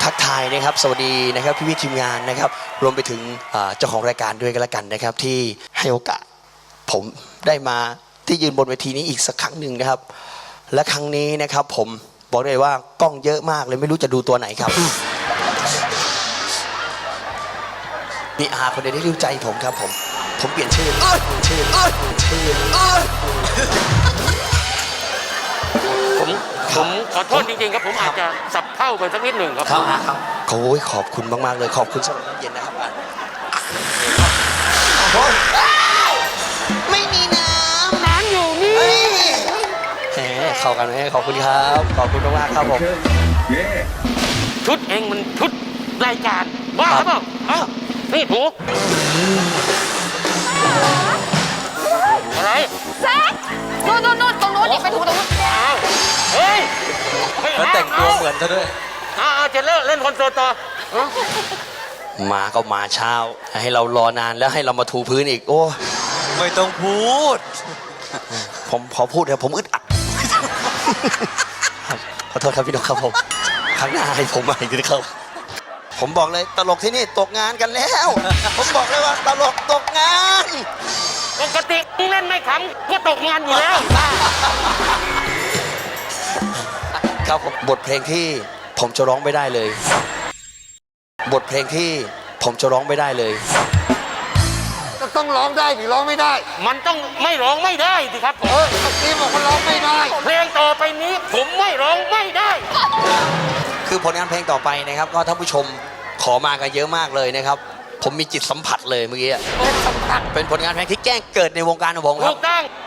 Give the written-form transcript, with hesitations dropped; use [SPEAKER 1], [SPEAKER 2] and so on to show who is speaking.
[SPEAKER 1] ทักทายนะครับสวัสดีนะครับพี่ทีมงานนะครับรวมไปถึงเจ้าของรายการด้วยกันละกันนะครับที่ให้โอกาสผมได้มาที่ยืนบนเวทีนี้อีกสักครั้งหนึ่งนะครับและครั้งนี้นะครับผมบอกเลยว่ากล้องเยอะมากเลยไม่รู้จะดูตัวไหนครับนี่อาคนเดียวที่รู้ใจผมครับผมเปลี่ยนชื่อ
[SPEAKER 2] ผมขอโทษจริงๆครับผมอาจจะสับเท่าไปสักนิดหนึ่งครับ
[SPEAKER 1] ครับโอ้ยขอบคุณมากๆเลยขอบคุณสำหรับน้ำเย็นนะครับไม่มีน้ำ
[SPEAKER 2] ร้านอยู่นี่
[SPEAKER 1] แหมเข้ากันไหมขอบคุณครับขอบคุณมากๆครับผม
[SPEAKER 2] ชุดเองมันชุดรายการว่าครับเปล่าเอ้านี่ถูอะไร
[SPEAKER 3] แซคนู่นตรงนู้นนี่ไปถูตรงนู้น
[SPEAKER 2] อ้าวเฮ้ยไม่
[SPEAKER 4] แล้วแต่งตัวเหมือนซะด้วย
[SPEAKER 2] เอาจะเล่นคอนเสิร์ตต่อ
[SPEAKER 1] มาก็มาเช้าให้เรารอนานแล้วให้เรามาถูพื้นอีกโอ้
[SPEAKER 4] ไม่ต้องพูด
[SPEAKER 1] ผมพอพูดแล้วผมอึดอัดขอโทษครับพี่นกครับผมครั้งหน้าให้ผมมาอีกทีครับผมบอกเลยตลกที่นี่ตกงานกันแล้วผมบอกเลยว่าตลกตกงาน
[SPEAKER 2] ปกติเล่นไม่ขำก็ตกงานอยู่แล้ว
[SPEAKER 1] ครับผมบทเพลงที่ผมจะร้องไม่ได้เลยบทเพลงที่ผมจะร้องไม่ได้เลย
[SPEAKER 5] ก็ต้องร้องได้หรือร้องไม่ได้
[SPEAKER 2] มันต้องไม่ร้องไม่ได้สิครับผม
[SPEAKER 5] เมื่อกี้บอกว่าร้องไม่ได้
[SPEAKER 2] เพลงต่อไปนี้ผมไม่ร้องไม่ได้
[SPEAKER 1] คือผลงานเพลงต่อไปนะครับก็ท่านผู้ชมขอมากันเยอะมากเลยนะครับผมมีจิตสัมผัสเลยเมื่อกี้เป็นผลงานเพลงที่แจ้งเกิดในวงการของผมค
[SPEAKER 2] ถู
[SPEAKER 1] รับ
[SPEAKER 2] กต้อง